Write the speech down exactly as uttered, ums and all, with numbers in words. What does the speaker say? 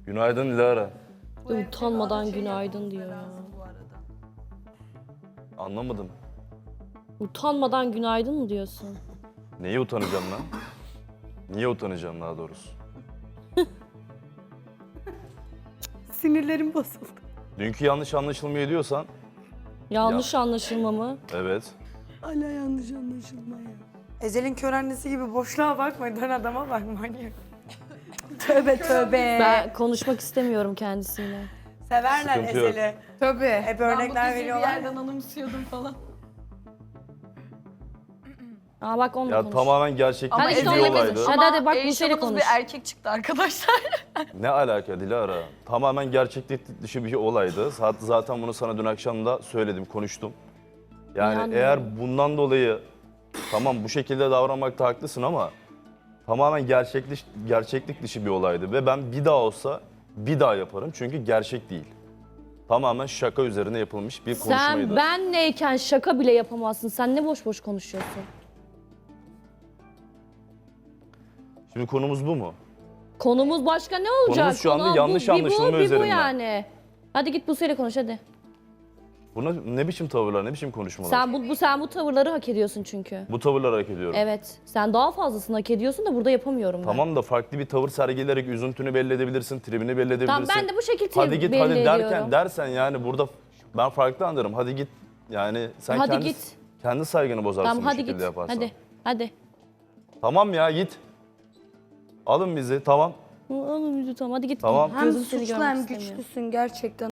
Günaydın Dilara. Utanmadan günaydın diyor ya. Anlamadım. Utanmadan günaydın mı diyorsun? Neye utanacağım lan? Niye utanacağım daha doğrusu? Sinirlerim bozuldu. Dünkü yanlış anlaşılmayı diyorsan, Yanlış anlaşılma mı? evet. Hala yanlış anlaşılma ya. Ezel'in kör annesi gibi boşluğa bakma, dön adama bak manyak. Tövbe tövbe. Ben konuşmak istemiyorum kendisiyle. Severler Sıkıntı yok. Ezel'i. Tabii. Hep örnekler veriyorlar. bir yerden anımsıyordum falan. Aa bak onunla Ya konuş. tamamen gerçekten Hadi işte bir onunla olaydı. konuş. Hadi hadi bak Eyşan'ımız Buse'yle konuş. bir erkek çıktı arkadaşlar. Ne alaka Dilara? Tamamen gerçeklik dışı bir olaydı. Zaten zaten bunu sana dün akşam da söyledim, konuştum. Yani İnanmıyorum. eğer bundan dolayı tamam bu şekilde davranmakta haklısın ama tamamen gerçeklik, gerçeklik dışı bir olaydı. Ve ben bir daha olsa bir daha yaparım çünkü gerçek değil. Tamamen şaka üzerine yapılmış bir konuşmaydı. Sen benleyken şaka bile yapamazsın. Sen ne boş boş konuşuyorsun? Şimdi konumuz bu mu? Konumuz başka ne olacak? Konumuz şu anda Konu yanlış bu, anlaşılma bir bu, bir bu üzerinden. yani. Hadi git Buse'yle konuş hadi. Buna ne biçim tavırlar, ne biçim konuşmalar? Sen bu, bu sen bu tavırları hak ediyorsun çünkü. Bu tavırları hak ediyorum. Evet. Sen daha fazlasını hak ediyorsun da burada yapamıyorum ben. Tamam da farklı bir tavır sergileyerek üzüntünü belli edebilirsin, tribini belli edebilirsin. Tamam ben de bu şekilde Hadi git belli hadi derken ediyorum. dersen yani burada ben farklı anlarım. Hadi git yani sen Hadi kendi, git. kendi saygını bozarsın Tamam bu hadi şekilde git. yaparsan. Hadi. Hadi. Tamam ya git. Alın bizi tamam. Oğlum tamam hadi git. Tamam. Hem Gözüm seni suçlu görmek hem istemiyor. güçlüsün gerçekten.